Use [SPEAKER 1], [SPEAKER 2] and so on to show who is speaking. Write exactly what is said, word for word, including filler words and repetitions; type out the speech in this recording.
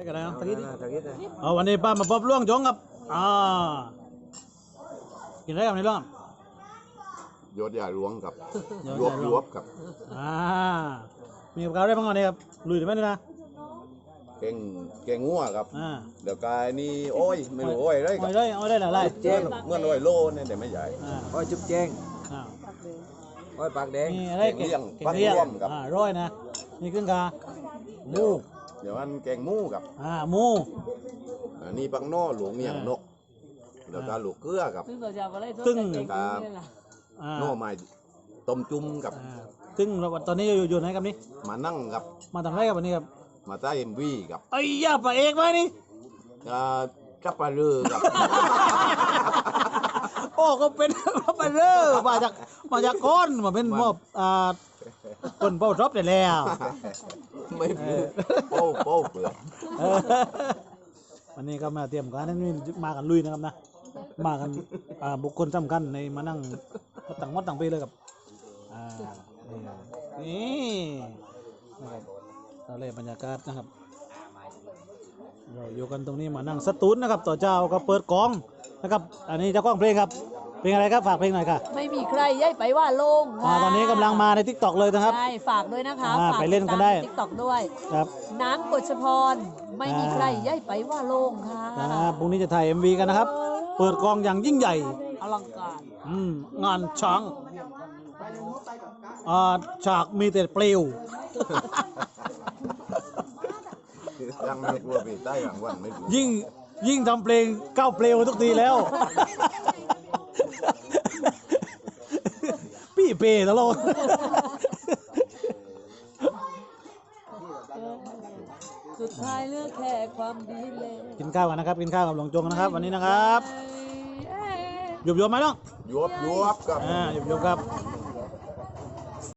[SPEAKER 1] ได้กันแล้วตะกี้ดิ
[SPEAKER 2] ตะกี้เลย
[SPEAKER 1] เอาวันนี้ป้ามาพบล่วงจงครับอ่ากินอะไรกับในร่อง
[SPEAKER 3] ยศยาหลวงกับ
[SPEAKER 1] ย
[SPEAKER 3] ยว
[SPEAKER 1] ศ
[SPEAKER 3] บ
[SPEAKER 1] ยาหลวง
[SPEAKER 3] ยวบกับ
[SPEAKER 1] อ่ามีกับข้าวได้บ้างวันนี้ครับลุยได้ไหมนี่นะ
[SPEAKER 3] เก่งเก่งงัวกับ
[SPEAKER 1] อ่า
[SPEAKER 3] เดี๋ยวกายนี่โอ้ยไม่รู้โอ้ยได้กั
[SPEAKER 1] เอา
[SPEAKER 3] บ
[SPEAKER 1] ได้เอาได้หลายไร
[SPEAKER 3] เมื่อเมื่อโอ้ยโลเนี่ยแต่ไม่ใหญ่
[SPEAKER 1] อ่า
[SPEAKER 2] อ้อยจุ๊บแจ้ง
[SPEAKER 1] อ่า
[SPEAKER 2] อ้อยปากแดง
[SPEAKER 1] มีอะไรเก่ง
[SPEAKER 3] เลี้ยง
[SPEAKER 1] เก่ง
[SPEAKER 3] ปัก
[SPEAKER 1] เลี้ยง
[SPEAKER 3] ร่วมกับ
[SPEAKER 1] อ่าร้อยนะนี่ขึ้นกาหมู
[SPEAKER 3] เดี๋ยวมันเก่งหมูกับ
[SPEAKER 1] อ่าหมู
[SPEAKER 3] อันนี้ปักโน่หลวงเมียงนกเดี๋ยวกาหลูกเกลือกับ
[SPEAKER 4] ซึ่งเราจะมาไล่
[SPEAKER 1] ซึ่ง
[SPEAKER 3] ครับ
[SPEAKER 1] อ่า
[SPEAKER 3] โน่ไม้ต้มจุ่มกับ
[SPEAKER 1] อ่าซึ่งเราตอนนี้อยู่อยู่ไหนครับนี่
[SPEAKER 3] มานั่งกับ
[SPEAKER 1] มาทำอะไรกับวันนี้ครับ
[SPEAKER 3] มาใต้เอ็มวีกับ
[SPEAKER 1] ไอ้ย่าปลาเอกไหมนี่
[SPEAKER 3] อ่าจับปลาเรือกับ
[SPEAKER 1] โอ้ก็เป็น ปลาเร่อมาจากมาจากก้อนมาเป็นมอบอ่าคนเป้าทบได้แล้ว
[SPEAKER 3] ไม่รู้โป้โป้เปลือก
[SPEAKER 1] เออวันนี้ก็มาเตรียมการนั่นนี่มากันลุยนะครับนะมากันอ่าบุคคลสำคัญในมานั่งต่างวัดต่างปีเลยกับอ่านี่นะครับเราเลยบรรยากาศนะครับเราอยู่กันตรงนี้มานั่งสตูนนะครับต่อเจ้าก็เปิดกองนะครับอันนี้เจ้ากล้องเพลงครับเพลงอะไรครับฝากเพลงหน่อยค่ะ
[SPEAKER 4] ไม่มีใครย้ายไปว่าโล่ง
[SPEAKER 1] อ่าตอนนี้กำลังมาในทิกตอกเลยนะครับ
[SPEAKER 4] ใช่ฝากด้วยนะคะ
[SPEAKER 1] อ่า
[SPEAKER 4] ฝาก
[SPEAKER 1] ไปเล่นกันได้
[SPEAKER 4] ติ๊กต็อกด้วย
[SPEAKER 1] ครับ
[SPEAKER 4] นางกฎชพรไม่มีใครย้ายไปว่าโล่งค่ะ
[SPEAKER 1] ครับพรุ่งนี้จะถ่าย เอ็ม วี กันนะครับ เปิดกองอย่างยิ่งใหญ่
[SPEAKER 4] อลังการ
[SPEAKER 1] อืมงานช้างอ่าฉากมีแต่เปลว
[SPEAKER 3] ยังไม่กลัวปีใต้หลังวันไม่รู้
[SPEAKER 1] ยิ่งยิ่งทำเพลงก้าวเปลวทุกทีแล้ว พี่เปย์ตลอด
[SPEAKER 4] สุดท้ายเลือกแค่ความดีเลย
[SPEAKER 1] กินข้าวกันนะครับ กินข้าวกับหลวงจงนะครับ วันนี้นะครับหยุบหยุบไหมน้อง
[SPEAKER 3] ยวบยวบกับ
[SPEAKER 1] อ่าหยุบหยุบครับ
[SPEAKER 4] ไ